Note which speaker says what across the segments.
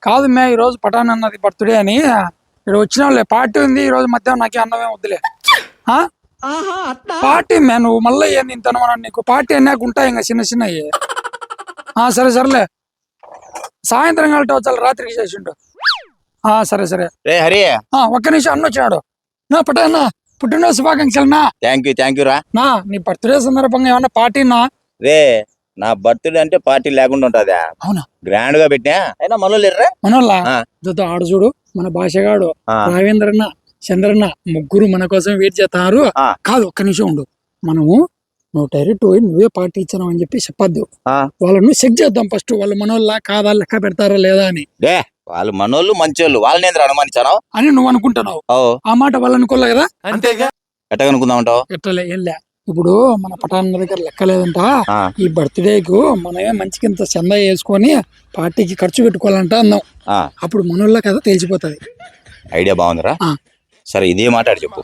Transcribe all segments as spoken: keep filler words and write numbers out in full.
Speaker 1: కాదు మే ఈ రోజు పటాన్ అన్నది బర్త్డే అని ఇక్కడ వచ్చిన వాళ్ళే పార్టీ ఉంది ఈ రోజు మధ్యాహ్నం నాకే అన్నమే వద్దులే ఆ పార్టీ మే నువ్వు మళ్ళీ నేను తినమన్నా నీకు పార్టీ అన్నాక ఉంటాయి ఇంకా చిన్న చిన్నవి ఆ సరే సరేలే సాయంత్రం కలిసి వచ్చాలి రాత్రికి చేసిండు ఆ సరే సరే
Speaker 2: రే హరి
Speaker 1: ఆ ఒక్క నిమిషం అన్న వచ్చినాడు నా పటాన్న పుట్టినరోజు శుభాకాంక్షలు నా
Speaker 2: థ్యాంక్ యూ థ్యాంక్ యూ రా
Speaker 1: నా నీ బర్త్డే సందర్భంగా ఏమన్నా పార్టీ నా
Speaker 2: రే నా బర్త్డే అంటే పార్టీ లేకుండా ఉంటదా
Speaker 1: అవునా
Speaker 2: గ్రాండ్ గా పెట్టినా అయినా మనలో లేరురా
Speaker 1: మనోళ్ళ ఆడు చూడు మన భాషగాడు రావేంద్రన్న చంద్రన్న ముగ్గురు మన కోసం వెయిట్ చేస్తున్నారు కాదు ఒక్క నిమిషం ఉండు మనము నువ్వు డైరెక్ట్ పోయి నువ్వే పార్టీ ఇచ్చావు అని చెప్పి చెప్పద్దు వాళ్ళను చెక్ చేద్దాం ఫస్ట్ వాళ్ళు మనోళ్ళ కాదా లెక్క పెడతారా లేదా అని
Speaker 2: వాళ్ళు మనోళ్ళు మంచోళ్ళు వాళ్ళని ఎందుకు అనుమానించాను
Speaker 1: అని నువ్వు అనుకుంటున్నావు ఆ మాట వాళ్ళు అనుకోలే కదా
Speaker 2: అంతేగా ఎట్టగా అనుకుందామంటావు
Speaker 1: ఎట్టలే ఏం లే ఇప్పుడు మన పటాన్ దగ్గర లెక్కలేదంట ఈ బర్త్డేకు మనమే మంచికి ఇంత చందా వేసుకొని పార్టీకి ఖర్చు పెట్టుకోవాలంట అన్నాం అప్పుడు మనోళ్ళ కదా తెలిసిపోతుంది
Speaker 2: ఐడియా బాగుందిరా సరే ఇదే మాట చెప్పు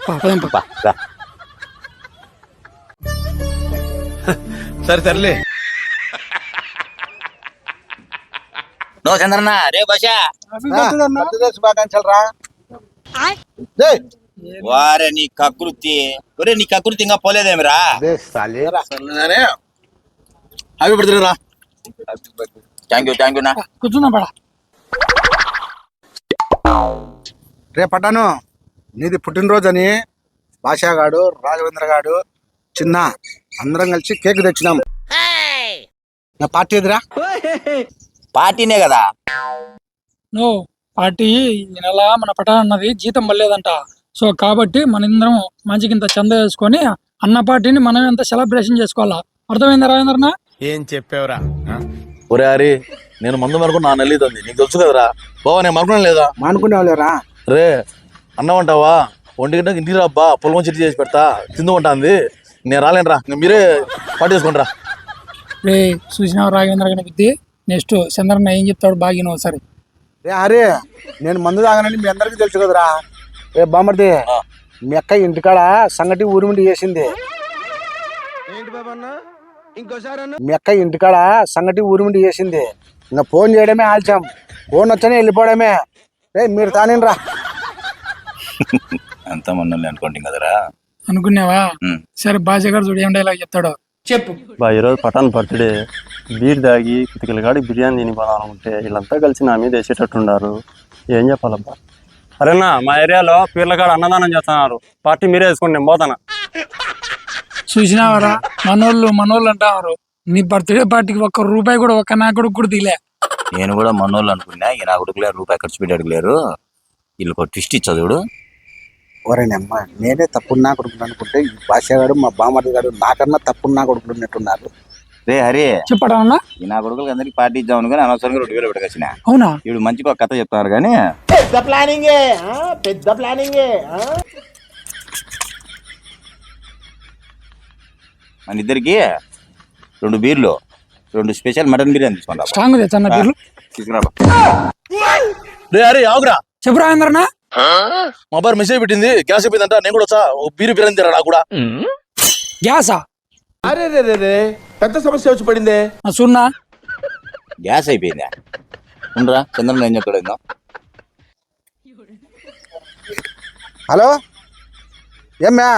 Speaker 3: సరే సర్లే
Speaker 2: నో చంద్రన్న రే భాష
Speaker 3: శుభాకాంక్షలు రా
Speaker 2: వారే నీ కకృతి ఒరే నీ కకృతి ఇంకా పోలేదేమిరా
Speaker 3: హ్యాపీ బర్త్డే రా
Speaker 2: థ్యాంక్ యూ థ్యాంక్ యూ నా
Speaker 1: కూర్చున్నా పడా
Speaker 3: రే పట్టాను నీది పుట్టినరోజు అని భాషాగాడు రాఘవేంద్ర గాడు చిన్న అందరం కలిసి కేక్ తెచ్చినాం నా పార్టీ ఎదురా
Speaker 2: పార్టీనే కదా
Speaker 1: నో పార్టీ ఈ నెల మన పటాన్ అన్నది జీతం పడలేదంట సో కాబట్టి మన ఇందరం మంచికింత చంద వేసుకొని అన్న పార్టీని మనం ఎంత సెలబ్రేషన్ చేసుకోవాలా అర్థమైందా రాజేంద్రనా
Speaker 4: ఏం చెప్పావురా
Speaker 5: ఒరే హరి నేను మందు మరకు నా నెల్లిదండి నీకు తెలుసు కదరా బావా నేను మనుకున్నా లేదా
Speaker 3: మానుకునేవాళ్ళేరా
Speaker 5: రే అన్నమంటావా ఒంటి గంటకి ఇంటికి రాబ్బా పొలం చెట్టు చేసి పెడతా తిందుకుంటాంది నేను రాలేనురా మీరే పార్టీ చేసుకుంటారా
Speaker 1: రే చూసినావు రాఘవేంద్ర గారి బుద్ధి నెక్స్ట్ చంద్రన్న ఏం చెప్తాడు బాగిన ఒకసారి
Speaker 3: రే హరి నేను మందు తాగానని మీ అందరికీ తెలుసు కదరా రే బామ్మర్ది మీ అక్క ఇంటికాడ సంగటి ఊరిమిండి చేసింది మీ అక్క ఇంటికాడ సంగటి ఊరిమిండి చేసింది ఇంకా ఫోన్ చేయడమే ఆల్చాం ఫోన్ వచ్చానే వెళ్ళిపోవడమే రే మీరు తానేరా
Speaker 2: అంత మనల్ని అనుకోండి కదరా
Speaker 1: అనుకున్నావా సరే భాషగాడు చూడు ఏం డైలాగ్ చెప్తాడో చెప్పు
Speaker 6: బా ఈరోజు పటాన్ బర్త్డే బీర్ దాగి కితకిల కాడి బిర్యానీ తినిపోదామనుకుంటే వీళ్ళంతా కలిసి నా మీద వేసేటట్టున్నారు ఏం చెప్పాలబ్బా అరేనా మా ఏరియాలో పీర్ల కాడ అన్నదానం చేస్తున్నారు పార్టీ మీరే వేసుకోండి నేను పోతానా
Speaker 1: చూసినావరా మనోళ్ళు మనోళ్ళు అంటారు నీ బర్త్డే పార్టీకి ఒక్క రూపాయి కూడా ఒక్క నా కొడుకు కూడా దిలే
Speaker 2: నేను కూడా మనోళ్ళు అనుకున్నా ఇక నా కొడుకు లేరు రూపాయి ఖర్చు పెట్టి అడగలేరు వీళ్ళకి ఒక ట్విస్ట్ ఇచ్చా చూడు
Speaker 3: ఓరేనమ్మా నేనే తప్పున్నా కొడుకులు అనుకుంటే ఈ భాషగాడు మా బామ్మర్ది గారు నాకన్నా తప్పున్నా కొడుకులు ఉన్నట్టున్నారు
Speaker 2: రే హరి
Speaker 1: చెప్పడా
Speaker 2: ఈ నా కొడుకులకి అందరికి పార్టీ ఇద్దాం అనుకుని అనవసరంగా రెండు వేలు పెట్టకొచ్చిన
Speaker 1: అవునా
Speaker 2: ఇప్పుడు మంచిగా ఒక కథ చెప్తారు కానీ
Speaker 3: పెద్ద ప్లానింగే పెద్ద ప్లానింగే
Speaker 2: మన ఇద్దరికి రెండు బీర్లు రెండు స్పెషల్ మటన్ బిర్యానీ తీసుకుంటా
Speaker 1: స్ట్రాంగ్ తెచ్చన్న బీర్లు
Speaker 2: తీసుకురా
Speaker 5: రే హరి ఆగురా
Speaker 1: చెప్పు రాజేంద్రనా
Speaker 5: మా బారు మెసేజ్ పెట్టింది గ్యాస్ అయిపోయిందంట నేను కూడా వచ్చా ఓ బీరు బిర్యానీ తిరా నాకు కూడా
Speaker 1: గ్యాసా
Speaker 4: అరే రే రే రే పెద్ద సమస్య వచ్చి పడిందే
Speaker 1: సున్నా
Speaker 2: గ్యాస్ అయిపోయిందా ఉండరా చంద్రన్ ఏం చెప్తాడు
Speaker 3: హలో ఏమ్మా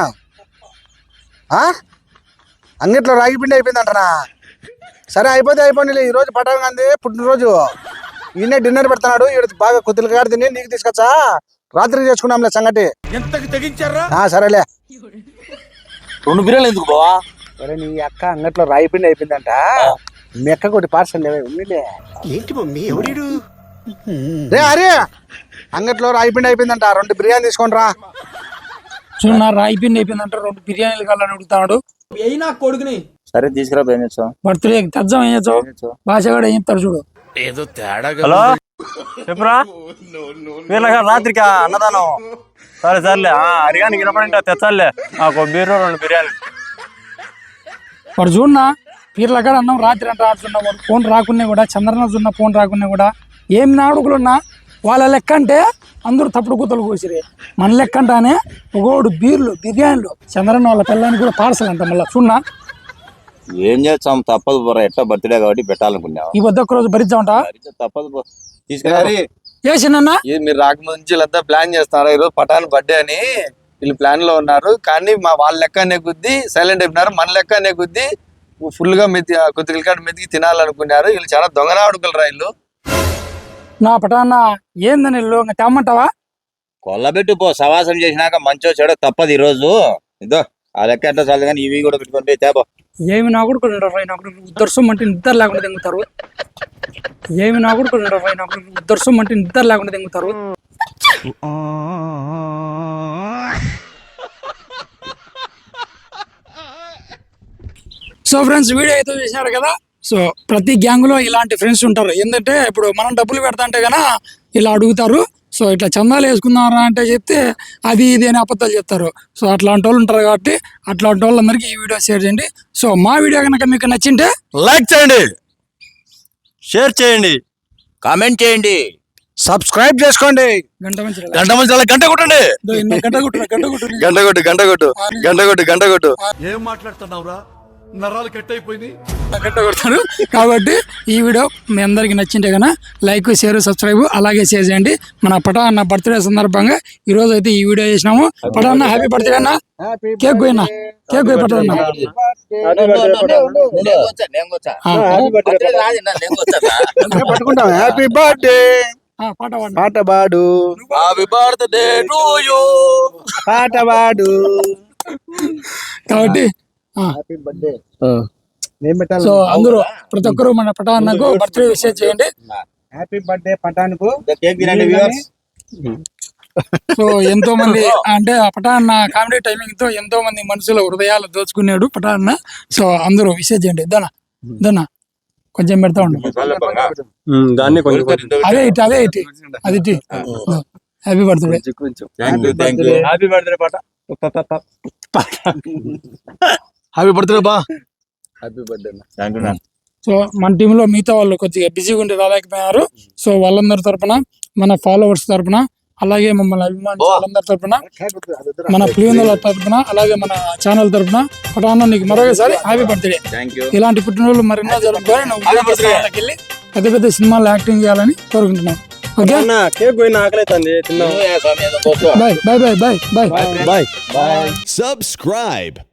Speaker 3: అంగిట్లో రాగి పిండి అయిపోయిందంటనా సరే అయిపోతే అయిపోయింది ఈరోజు పటాన్ గాంధీ పుట్టినరోజు ఈయనే డిన్నర్ పెడుతున్నాడు ఈడ బాగా కొద్దిగా కాడు తిని నీకు తీసుకొచ్చా రాత్రికి చేసుకున్నాంలే సంగటి సరేలే
Speaker 5: రెండు బిర్యానీలు ఎందుకు బావా
Speaker 3: సరే నీ అక్క అంగట్లో రాయి పిండి అయిపోయిందంట మీ అక్క కొద్ది పార్సల్ ఉన్నిలే ఏంటి మమ్మీ ఎవడు రే హరి అంగట్లో రాయి పిండి అయిపోయిందంట రెండు బిర్యానీ తీసుకోండి రా
Speaker 1: చూడు రాయి పిండి అయిపోయిందంట రెండు బిర్యానీలు కావాలని అడుగుతాడు అయినా కొడుకుని
Speaker 2: సరే తీసుకురా ఏం చేస్తావు
Speaker 1: బర్త్డే తెద్దాం ఏం చేస్తావు భాషగాడు ఏం చెప్తాడు చూడు
Speaker 4: ఏదో తేడా
Speaker 6: హలో చెప్పురా వీళ్ళగా రాత్రికి అన్నదానం సరే సర్లే అరిగానికి వినపడింటే తెచ్చాలే నాకు బీరు రెండు బిర్యానీ
Speaker 1: వాడు చూడన్నా పీర్ల కాడ అన్నం రాత్రి అంటే ఆడుతున్నా వాడు ఫోన్ రాకున్నా కూడా చంద్రన చూన్న ఫోన్ రాకున్నా కూడా ఏం నాడుకులున్నా వాళ్ళ లెక్క అంటే అందరూ తప్పుడు కూతలు కోసిరే మన లెక్క అంటానే ఒకడు బీర్లు బిర్యానీలు చంద్రన్న వాళ్ళ పిల్లని కూడా పార్సల్ అంట మళ్ళీ చూడన్నా
Speaker 2: ఏం చేస్తాం తప్పదు బొర్ర ఎట్లా బర్త్డే కాబట్టి పెట్టాలనుకున్నావు
Speaker 1: ఈ వద్ద ఒక రోజు భరిద్దామంట
Speaker 2: తప్పదు తీసుకున్నారు
Speaker 1: ఏ చిన్న
Speaker 7: ఇది మీరు రాకముందు నుంచి వీళ్ళంతా ప్లాన్ చేస్తున్నారు ఈరోజు పటాన్ బర్త్డే అని వీళ్ళు ప్లాన్ లో ఉన్నారు కానీ మా వాళ్ళ లెక్క అనే కొద్దీ సైలెంట్ అయిపోయినారు మన లెక్క అనే కొద్దీ ఫుల్ గా మెతి కొద్దిగా కాడ మెతికి తినాలనుకున్నారు వీళ్ళు చాలా దొంగనా అడుగులరా వీళ్ళు
Speaker 1: నా పటాన్న ఏందని ఇల్లు ఇంకా తెమ్మంటావా
Speaker 2: కొల్లబెట్టు పో సవాసం చేసినాక మంచో చెడో తప్పదు ఈ రోజు ఇదో ఆ లెక్క ఎట్లా చాలు కానీ ఇవి కూడా పెట్టుకొని పోయి తేపో
Speaker 1: ఏమి నా కొడుకు నా కొడుకు ఉద్దర్సం అంటే నిద్ర లేకుండా తెంగుతారు ఏమి నా కొడుకు నా కొడుకు ఉద్దర్సం అంటే నిద్ర లేకుండా తెంగుతారు సో ఫ్రెండ్స్ వీడియో అయితే చూసినారు కదా సో ప్రతి గ్యాంగ్ లో ఇలాంటి ఫ్రెండ్స్ ఉంటారు ఏంటంటే ఇప్పుడు మనం డబ్బులు పెడతా అంటే గనా ఇలా అడుగుతారు సో ఇట్లా చందాలు వేసుకున్నారా అంటే చెప్తే అది ఇది అని అబద్ధాలు చెప్తారు సో అట్లాంటి వాళ్ళు ఉంటారు కాబట్టి అట్లాంటి వాళ్ళందరికీ ఈ వీడియో షేర్ చేయండి సో మా వీడియో కనుక మీకు నచ్చింటే
Speaker 5: లైక్ చేయండి,
Speaker 6: షేర్ చేయండి,
Speaker 2: కామెంట్ చేయండి,
Speaker 3: సబ్స్క్రైబ్ చేసుకోండి,
Speaker 1: గంట మంచి
Speaker 5: గంట మంచి గంట కొట్టండి,
Speaker 1: గంట కొట్టు గంట కొట్టు
Speaker 5: గంట కొట్టు గంట కొట్టు గంట కొట్టు గంట కొట్టు
Speaker 4: ఏం మాట్లాడుతున్నావురా నరాలు కట్ అయిపోయింది
Speaker 1: గంట కొడతారు కాబట్టి ఈ వీడియో మీ అందరికి నచ్చింటే కన్నా లైక్ షేర్ సబ్స్క్రైబ్ అలాగే షేర్ చేయండి. మన పటా అన్న బర్త్డే సందర్భంగా ఈ రోజు అయితే ఈ వీడియో చేసినాము. పటా అన్న హ్యాపీ బర్త్డే అన్న, కేక్ పోయినా కేక్ పోయి పటా అన్న
Speaker 3: పట్టుకుంటాం. హ్యాపీ బర్త్డే
Speaker 1: పాట పాడు.
Speaker 3: పాట పాడు,
Speaker 5: హ్యాపీ బర్త్డే టు యు,
Speaker 3: పాట పాడు.
Speaker 1: కాబట్టి
Speaker 3: హ్యాపీ బర్త్డే నేను పెట్టాలి.
Speaker 1: సో అందరూ ప్రతి ఒక్కరు మన పటా అన్నకు బర్త్డే విషయం చేయండి.
Speaker 3: హ్యాపీ బర్త్డే పటాన్కు.
Speaker 2: కేక్ తినండి వ్యూవర్స్.
Speaker 1: సో ఎంతో మంది అంటే ఆ పటా అన్న కామెడీ టైమింగ్ తో ఎంతో మంది మనుషుల హృదయాలు దోచుకున్నాడు పటా అన్న. సో అందరూ విషయం చేయండి. దనా దనా కొంచెం పెడతా ఉండు.
Speaker 6: దాన్ని కొంచెం
Speaker 1: అదే ఇటు అదే ఇటు అది ఇటు happy birthday.
Speaker 2: Thank you thank you
Speaker 6: happy birthday పాట.
Speaker 5: హ్యాపీ బర్త్డే బా.
Speaker 3: Happy birthday.
Speaker 2: Thank you
Speaker 1: so మన టీమ్ లో మిగతా వాళ్ళు కొద్దిగా బిజీగా ఉండి రాలేకపోయారు. సో వాళ్ళందరి తరపున మన ఫాలోవర్స్ తరపున అలాగే మమ్మల్ని అభిమానించే వాళ్ళందరి తరపున మన ప్రియుల తరపున అలాగే మన ఛానల్ తరపున పటాన్న నీకు మరొకసారి హ్యాపీ బర్త్డే.
Speaker 2: Thank you.
Speaker 1: ఇలాంటి పుట్టినరోజులు మరెన్నో జరుపుకొని నువ్వు సినిమాలకు వెళ్ళి పెద్ద పెద్ద సినిమాలు యాక్టింగ్ చేయాలని కోరుకుంటున్నాం. ఓకే
Speaker 6: కేక్ పోయిన ఆకలి అవుతుంది, తిన్నాం.
Speaker 1: Bye bye bye bye bye
Speaker 5: bye.
Speaker 8: Subscribe.